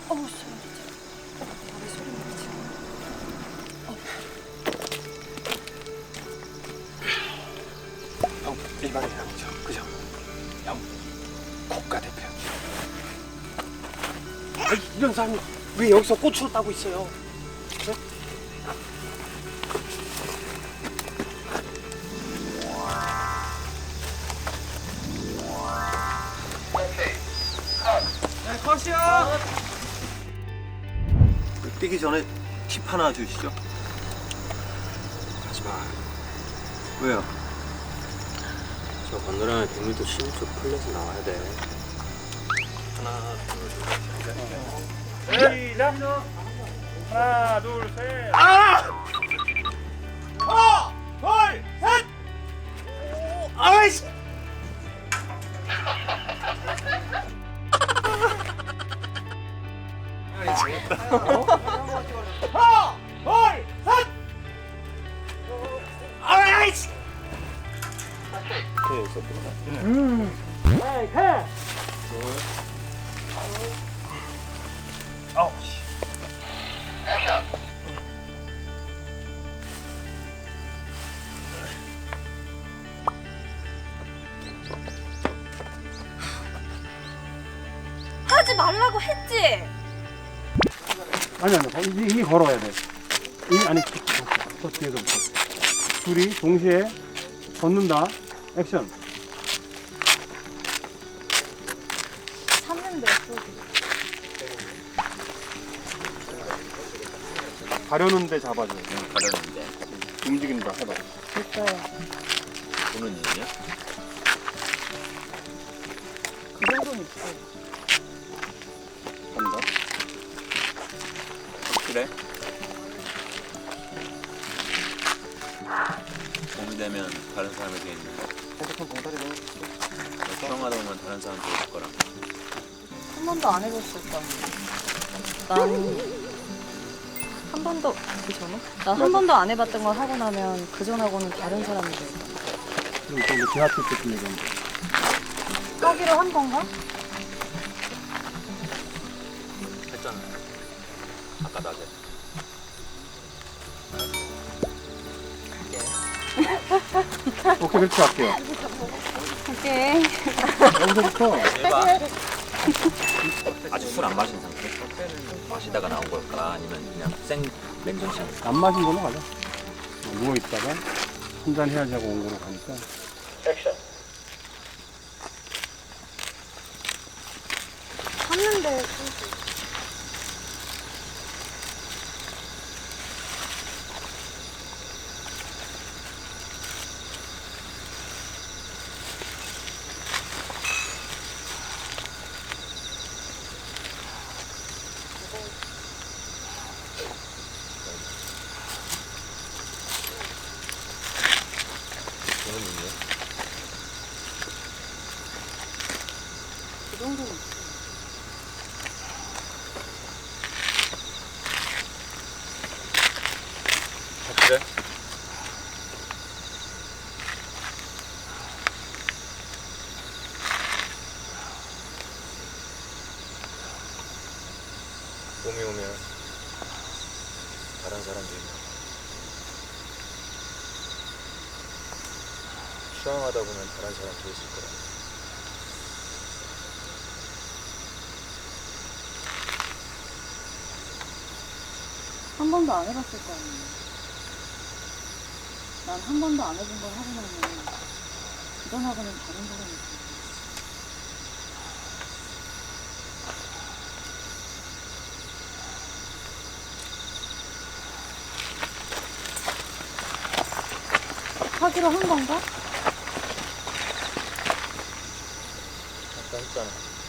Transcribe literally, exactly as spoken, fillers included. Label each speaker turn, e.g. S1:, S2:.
S1: 어우, 소름 끼쳐. 왜 소름 끼쳐?
S2: 형 일반인 아니죠? 그죠? 형 국가대표. 아니, 이런 사람이 왜 여기서 꽃으로 따고 있어요? 네?
S3: 네, 컷이요.
S4: 뛰기 전에 팁 하나 주시죠.
S2: 하지 마.
S4: 왜요?
S2: 저 건너라면 백 미터 치는 쪽 풀려서 나와야 돼.
S4: 하나, 둘, 셋.
S3: 시작. 하나, 둘, 셋.
S2: 아이씨! 아이씨!
S3: 아우.
S1: 하지 말라고 했지?
S5: 아니 아니 이, 이 걸어야 돼. 이 아니 저 뒤에서부터 둘이 동시에 걷는다. 액션.
S1: 샀는데 또.
S5: 가려는데 잡아줘.
S4: 가려는데.
S5: 움직인다. 해봐.
S1: 됐어요.
S4: 보는 일이냐?
S1: 그 정도는 있어.
S5: 간다.
S4: 그래? 봄이 되면 다른 사람이 돼 있는 거.
S5: 핸드폰 봉다리 넣어줄게.
S4: 수영하다 보면 다른 사람 될 거라.
S1: 한 번도 안 해봤을 거 난 한 번도 그 전에? 난 한 번도 안 해봤던 걸 하고 나면 그 전하고는 다른 사람이 돼.
S5: 그럼 또 이제 지하철 때쯤 얘기하면 돼.
S1: 하기로 한 건가?
S4: 했잖아. 아까 낮에.
S5: 오케이 그렇게 할게요.
S1: 오케이.
S5: 여기서부터
S4: 해봐. 아직 술 안 마신 상태? 마시다가 나온 걸까? 아니면 그냥 생 맨정신?
S5: 안 마신 걸로 가자. 누워 있다가 한 잔 해야지 하고 온 거로 가니까.
S1: 샀는데
S4: 보는 일이야?
S1: 그 정도는 있어.
S4: 그래? 봄이 오면 다른 사람들이 수영하다 보면 다른 사람도 있을 거라.
S1: 한 번도 안 해봤을 거 아니에요. 난 한 번도 안 해본 걸 하고 나면 그 전하고는 다른 사람이 있어. 하기로 한 건가?
S4: 아까 했잖아.